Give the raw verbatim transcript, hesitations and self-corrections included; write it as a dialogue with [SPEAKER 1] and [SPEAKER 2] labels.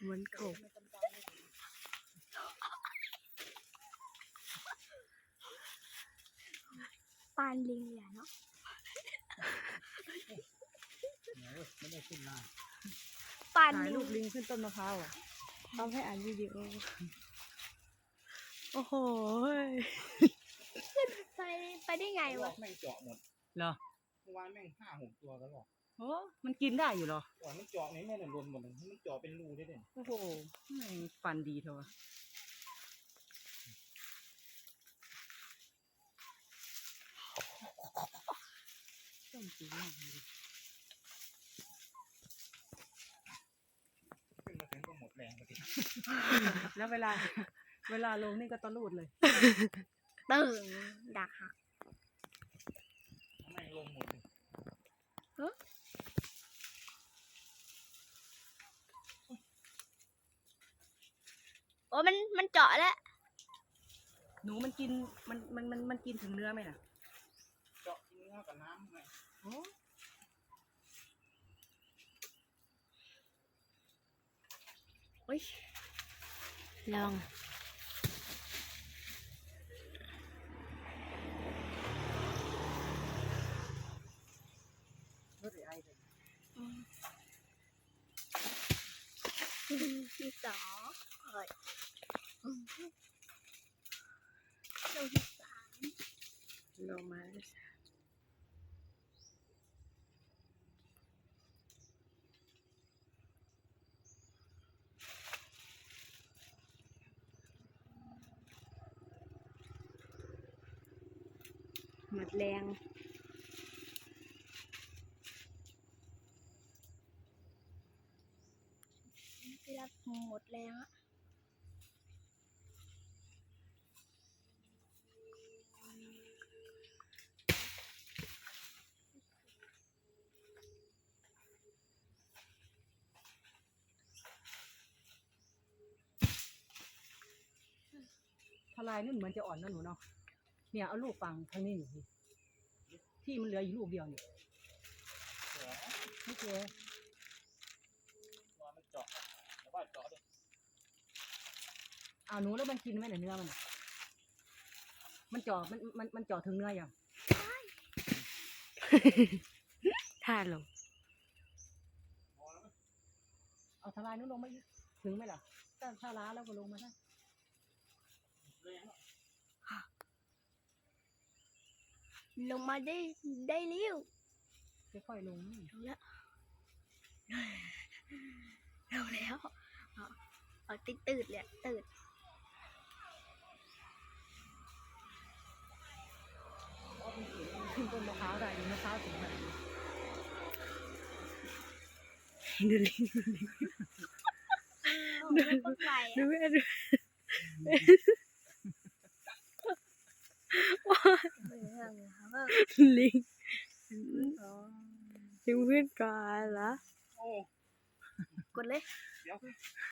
[SPEAKER 1] เหมือนกบปานลิงแหละเนาะ
[SPEAKER 2] ไม่ได้ขึ้นมา
[SPEAKER 1] ปาน
[SPEAKER 3] ถ่าย
[SPEAKER 1] ลิ
[SPEAKER 3] รู
[SPEAKER 1] ง
[SPEAKER 3] ปลิงขึ้นต้นมะพร้าวอ่ะ
[SPEAKER 1] เอาให้อ่านวิดีโอโอ้โหไปไปได้ไงวะ
[SPEAKER 2] แม่งเจาะหมด
[SPEAKER 3] เหรอ
[SPEAKER 2] เมื่อวานแม่งห้าหกตัวกันหรอก
[SPEAKER 3] โอ้มันกินได้อยู่เหรอ
[SPEAKER 2] ก่อนมันเจาะนี่แม่งหล่นหมดเลยมันเจาะเป็นรูได้เลย
[SPEAKER 3] โอ้โหแม่งฟันดีเถอะต้นสีมากเลย
[SPEAKER 2] ขึ้นมาถึงก็หมดแรงไปที
[SPEAKER 3] แล้วเวลา เวลาลงนี่ก็ตะลูดเลย
[SPEAKER 1] ตึงดักหัก
[SPEAKER 2] แม่งลงหมดเลย
[SPEAKER 1] โอ้มันมันเจาะแล้ว
[SPEAKER 3] หนูมันกินมันมันมันมันกินถึงเนื้อไหมล่ะ
[SPEAKER 2] เจาะกินเนื้อกับน้ำไง
[SPEAKER 3] โอ้
[SPEAKER 1] โอ้ยลอง
[SPEAKER 3] รถไอเลย
[SPEAKER 1] ที่สองเอ้ยลงที่สามลงมาที่สามหมดแรงพี่รับหมดแรงอะ
[SPEAKER 3] ทลายนู่นเหมือนจะอ่อนนะหนูเนาะ เนี่ยเอาลูกฟังทางนี้หนูสิที่มันเหลืออยู่ลูกเดียวเนี่ยไม่เจอ
[SPEAKER 2] ตัวมันเจาะแต่ว่าเจาะด้วย
[SPEAKER 3] เอาหนูแล้วมันกินไหมเนี่ยเนื้อมันอะมันเจาะมันมันมันเจาะถึงเนื้อยัง
[SPEAKER 1] ท่าลง
[SPEAKER 3] เอาทลายนู้นลงมาอีกถึงไหมล่ะถ้าถ้าล้าแล้วก็ลงมาได้
[SPEAKER 1] ลงมาได้ได้เร็ว
[SPEAKER 3] ค่อยๆลง
[SPEAKER 1] ลงแล้วลงแล้วเอาเอาติดตืดเลยตืด
[SPEAKER 3] ขึ้นต้นมะพร้าวได้ดูมะพร้าวสูงแบบนี้
[SPEAKER 1] ดูลิงดูลิงดูดูแม่ดูลิงลิงเพื่อนก่อนเหรอ
[SPEAKER 2] โอ้
[SPEAKER 1] กดเลย
[SPEAKER 2] เดี๋ยว